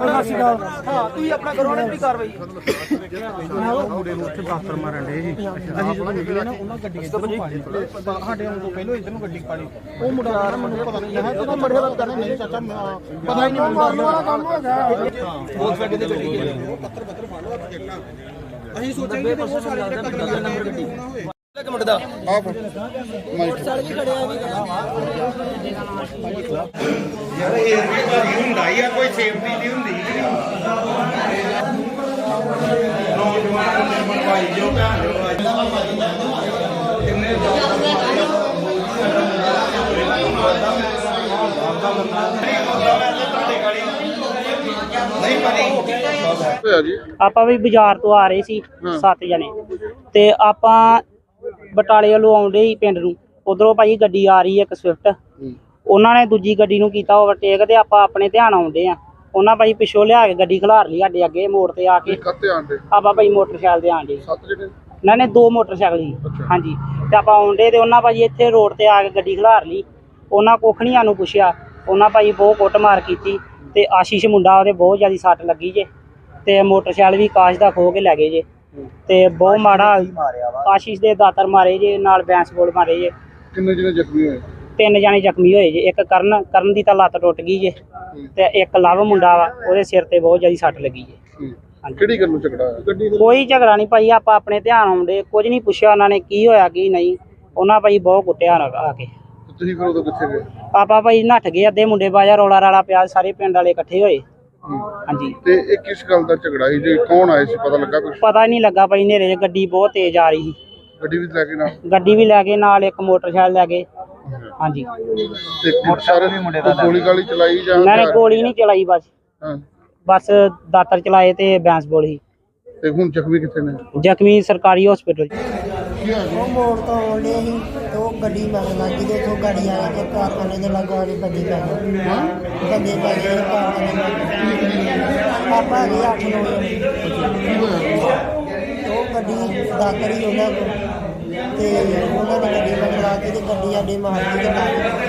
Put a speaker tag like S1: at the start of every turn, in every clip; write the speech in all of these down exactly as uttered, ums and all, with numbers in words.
S1: हाँ तुम अपना करो अपनी कार्रवाई
S2: ਮੁੰਡੇ ਨੂੰ ਉੱਥੇ ਬਾਸਰ ਮਾਰਨ ਡੇ ਜੀ ਅਸੀਂ ਜਦੋਂ ਨਿਕਲੇ ਨਾ ਉਹਨਾਂ ਗੱਡੀ ਇੱਧਰ ਨੂੰ ਪਾੜੀ ਸਾਡੇ ਆਉਣ ਤੋਂ ਪਹਿਲਾਂ ਇੱਧਰ ਨੂੰ ਗੱਡੀ ਪਾੜੀ ਉਹ ਮੁੰਡਾ ਕਹਿੰਦਾ ਮੈਨੂੰ ਪਤਾ ਨਹੀਂ ਹੈ ਤੇ ਮੜੇ ਦਾ ਕਹਿੰਦਾ ਨਹੀਂ ਚਾਚਾ ਪਤਾ ਹੀ ਨਹੀਂ ਮਾਰਨ ਵਾਲਾ ਕੰਮ ਹੋ ਗਿਆ
S1: ਬਹੁਤ ਵੱਡੀ ਗੱਡੀ ਹੈ
S2: ਪੱਤਰ ਪੱਤਰ ਫੜ ਲਓ ਅਸੀਂ
S1: ਸੋਚਾਂਗੇ ਕਿ ਉਹ ਸਾਰੇ ਜਿਹੜੇ ਨੰਬਰ ਗੱਡੀ ਇੱਕ ਮਿੰਟ ਦਾ
S2: ਆਪ
S1: ਮਾਈਕ ਸਾਲ ਵੀ ਖੜਿਆ
S2: ਯਾਰ ਇਹ ਵੀ ਭਾਰੀ ਹੁੰਦਾ ਹੀ ਆ ਕੋਈ ਸੇਫਟੀ ਦੀ ਹੁੰਦੀ ਨਹੀਂ ਨੌਜਵਾਨ ਨਿਰਮਲ ਭਾਈ ਜੋ ਭੈਣ ਕਿੰਨੇ
S3: ਆਪਾਂ ਵੀ ਬਾਜ਼ਾਰ ਤੋਂ ਆ ਰਹੇ ਸੀ ਸੱਤ ਜਣੇ ਤੇ ਆਪਾਂ ਬਟਾਲੇ ਵੱਲੋਂ ਆਉਂਦੇ ਸੀ ਪਿੰਡ ਨੂੰ। ਉਧਰੋਂ ਭਾਈ ਗੱਡੀ ਆ ਰਹੀ ਹੈ ਇੱਕ ਸਵਿਫਟ, ਉਹਨਾਂ ਨੇ ਦੂਜੀ ਗੱਡੀ ਨੂੰ ਕੀਤਾ ਓਵਰਟੇਕ ਤੇ ਆਪਾਂ ਆਪਣੇ ਧਿਆਨ ਆਉਂਦੇ ਆ। ਉਹਨਾਂ ਭਾਈ ਪਿੱਛੋਂ ਲਿਆ ਕੇ ਗੱਡੀ ਖਿਲਾਰ ਲਈ ਸਾਡੇ ਅੱਗੇ ਮੋੜ ਤੇ ਆ ਕੇ। ਆਪਾਂ ਭਾਈ ਮੋਟਰਸਾਈਕਲ ਤੇ ਆਂਦੇ ਇਹਨਾਂ ਨੇ ਦੋ ਮੋਟਰਸਾਈਕਲ ਸੀ ਹਾਂਜੀ ਤੇ ਆਪਾਂ ਆਉਂਦੇ ਤੇ ਉਹਨਾਂ ਭਾਈ ਇੱਥੇ ਰੋਡ ਤੇ ਆ ਕੇ ਗੱਡੀ ਖਿਲਾਰ ਲਈ। ਉਹਨਾਂ ਕੋਖਣੀਆਂ ਨੂੰ ਪੁੱਛਿਆ, ਉਹਨਾਂ ਭਾਈ ਬਹੁਤ ਕੁੱਟਮਾਰ ਕੀਤੀ ਤੇ ਆਸ਼ੀਸ਼ ਮੁੰਡਾ ਉਹਦੇ ਬਹੁਤ ਜ਼ਿਆਦਾ ਸੱਟ ਲੱਗੀ ਜੇ ਤੇ ਮੋਟਰਸਾਈਕਲ ਵੀ ਕਾਸ਼ ਦਾ ਖੋ ਕੇ ਲੈ ਗਏ ਜੇ ਤੇ ਬਹੁਤ ਮਾੜਾ ਆਸ਼ੀਸ਼ ਦੇ ਦਾਤਰ ਮਾਰੇ ਜੇ ਨਾਲ ਬੈਂਸ ਬੋਲ ਮਾਰੇ ਜੇ।
S2: ਕਿੰਨੇ ਜਣੇ ਜ਼ਖਮੀ ਹੋਏ?
S3: ਤਿੰਨ ਜਾਣੇ ਜ਼ਖਮੀ ਹੋਏ ਜੇ। ਇੱਕ ਕਰਨ ਕਰਨ ਦੀ ਤਾਂ ਲੱਤ ਟੁੱਟ ਗਈ ਜੇ ਤੇ ਇੱਕ ਲਵ ਮੁੰਡਾ ਵਾ ਉਹਦੇ ਸਿਰ ਤੇ ਬਹੁਤ ਜ਼ਿਆਦਾ ਸੱਟ ਲੱਗੀ ਜੇ।
S2: ਕਿਹੜੀ ਗੱਲ ਨੂੰ ਝਗੜਾ ਹੋਇਆ? ਗੱਡੀ
S3: ਕੋਈ ਝਗੜਾ ਨਹੀਂ ਭਾਈ, ਆਪਾਂ ਆਪਣੇ ਧਿਆਨ ਆਉਂਦੇ ਕੁਝ ਨਹੀਂ ਪੁੱਛਿਆ ਉਹਨਾਂ ਨੇ ਕੀ ਹੋਇਆ ਕੀ ਨਹੀਂ। ਉਹਨਾਂ ਭਾਈ ਬਹੁਤ ਕੁੱਟਿਆ ਆ ਕੇ।
S2: ਤੁਸੀਂ ਫਿਰ ਉਦੋਂ ਕਿੱਥੇ ਗਏ?
S3: ਆਪਾਂ ਭਾਈ ਨੱਠ ਗਏ, ਅੱਧੇ ਮੁੰਡੇ ਬਾਜਾ ਰੌਲਾ ਰਾਲਾ ਪਿਆ, ਸਾਰੇ ਪਿੰਡ ਵਾਲੇ ਇਕੱਠੇ ਹੋਏ ਹਾਂਜੀ।
S2: ਤੇ ਇਹ ਕਿਸ ਗੱਲ ਦਾ ਝਗੜਾ ਸੀ? ਜੇ ਕੌਣ ਆਏ ਸੀ ਪਤਾ ਲੱਗਾ ਕੁਝ?
S3: ਪਤਾ ਹੀ ਨਹੀਂ ਲੱਗਾ ਭਾਈ, ਹਨੇਰੇ 'ਚ ਗੱਡੀ ਬਹੁਤ ਤੇਜ਼ ਆ ਰਹੀ ਸੀ।
S2: ਗੱਡੀ ਵੀ ਲੈ ਕੇ ਨਾਲ
S3: ਗੱਡੀ ਵੀ ਲੈ ਗਏ ਨਾਲ, ਇੱਕ ਮੋਟਰਸਾਈਕਲ ਲੈ ਗਏ ਹਾਂਜੀ।
S2: ਤੇ ਸਾਰੇ ਮੁੰਡੇ ਦਾ ਗੋਲੀ ਗਾਲੀ ਚਲਾਈ ਜਾਂ
S3: ਮੈਂ ਗੋਲੀ ਨਹੀਂ ਚਲਾਈ, ਬਸ
S2: ਹਾਂ
S3: ਬਸ ਦਾਤਰ ਚਲਾਏ ਤੇ ਬੈਂਸ ਬੋਲੀ।
S2: ਤੇ ਹੁਣ ਜ਼ਖਮੀ ਕਿੱਥੇ ਨੇ?
S3: ਜ਼ਖਮੀ ਸਰਕਾਰੀ ਹਸਪੀਟਲ।
S4: ਉਹ ਮੋੜ ਤੋਂ ਆਉਂਦੇ ਸੀ ਤੇ ਉਹ ਗੱਡੀ ਮਗਰ ਲੱਗ ਗਈ ਤੇ ਉੱਥੋਂ ਗਾੜੀ ਆ ਕੇ ਕਾਰਖਾਨੇ ਦੇ ਲਾਗੋਂ ਵਾਲੀ ਬੰਦੇ ਪੈ ਗਏ ਬੰਦੇ ਪੈ ਗਏ ਕਾਰਖਾਨੇ ਆਪਾਂ ਹੈਗੇ ਅੱਠ ਨੌ ਜਣੇ। ਉਹ ਗੱਡੀ ਦਾਤਰ ਹੀ ਉਹਨਾਂ ਕੋਲ ਤੇ ਉਹਨਾਂ ਨੇ ਗੱਡੀ ਮਗਰ ਲਾ ਕੇ ਤੇ ਗੱਡੀ ਸਾਡੇ ਮਾਰ ਕੇ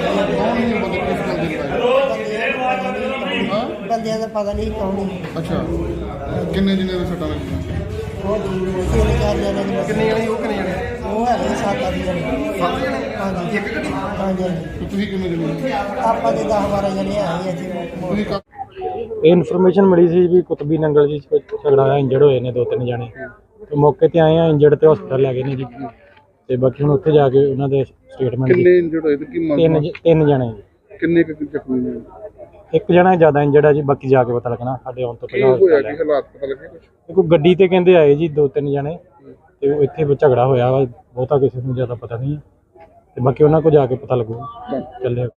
S4: ਬੰਦਿਆਂ ਦਾ ਪਤਾ ਨਹੀਂ ਕੌਣ ਸੀ।
S2: ਅੱਛਾ ਕਿੰਨੇ ਜਣੇ ਦੇ ਸੱਟਾਂ ਲੱਗੀਆਂ?
S4: ਉਹ ਤਿੰਨ ਚਾਰ ਜਣੇ ਦੀ ਕਿੰਨੇ ਜਣੇ? ਉਹ ਕਿੰਨੇ ਜਣੇ? ਉਹ ਹੈਗੇ ਸੱਤ ਅੱਠ ਜਣੇ।
S2: ਸੱਤ ਜਣੇ?
S4: ਹਾਂਜੀ
S2: ਇੱਕ ਗੱਡੀ?
S4: ਹਾਂਜੀ
S2: ਤੇ ਤੁਸੀਂ ਕਿੰਨੇ ਜਣੇ?
S4: ਆਪਾਂ ਦੇ ਦਸ ਬਾਰਾਂ ਜਣੇ ਆਏ ਇੱਥੇ।
S2: ਤੁਸੀਂ ਕਾ-
S5: ਇਹ ਇਨਫੋਰਮੇਸ਼ਨ ਮਿਲੀ ਸੀ ਵੀ ਕੁਤਬੀ ਨੰਗਲ ਜੀ ਝਗੜਾ ਹੋਇਆ, ਇੰਜਰਡ ਹੋਏ ਨੇ ਦੋ ਤਿੰਨ ਜਣੇ ਤੇ ਮੌਕੇ ਤੇ ਆਏ ਆ, ਇੰਜਰਡ ਤੇ ਹਸਪਤਾਲ ਲੈ ਗਏ ਨੇ ਜੀ ਤੇ ਬਾਕੀ ਹੁਣ ਉੱਥੇ ਜਾ ਕੇ ਉਹਨਾਂ ਦੇ ਸਟੇਟਮੈਂਟ।
S2: ਕਿੰਨੇ ਇੰਜਰਡ ਹੋਏ ਤੇ ਕੀ ਮੰਗ?
S5: ਤਿੰਨ ਤਿੰਨ ਜਣੇ ਜੀ।
S2: ਕਿੰਨੇ ਕੁ ਜ਼ਖਮੀ ਨੇ?
S5: ਇੱਕ ਜਣਾ ਜ਼ਿਆਦਾ ਇੰਜਰਡ ਆ ਜੀ, ਬਾਕੀ ਜਾ ਕੇ ਪਤਾ ਲੱਗਣਾ। ਸਾਡੇ ਆਉਣ ਤੋਂ
S2: ਕੀ
S5: ਪਹਿਲਾਂ
S2: ਹੋਇਆ? ਕੀ ਹਾਲਾਤ ਪਤਾ ਲੱਗੇ ਕੁਝ?
S5: ਕੋਈ ਗੱਡੀ ਤੇ ਕਹਿੰਦੇ ਆਏ ਜੀ ਦੋ ਤਿੰਨ ਜਣੇ ਤੇ ਉਹ ਇੱਥੇ ਝਗੜਾ ਹੋਇਆ ਵਾ, ਬਹੁਤਾ ਕਿਸੇ ਨੂੰ ਜ਼ਿਆਦਾ ਪਤਾ ਨਹੀਂ ਹੈ ਤੇ ਬਾਕੀ ਉਹਨਾਂ ਕੋਲ ਜਾ ਕੇ ਪਤਾ ਲੱਗੂ ਚੱਲਿਆ।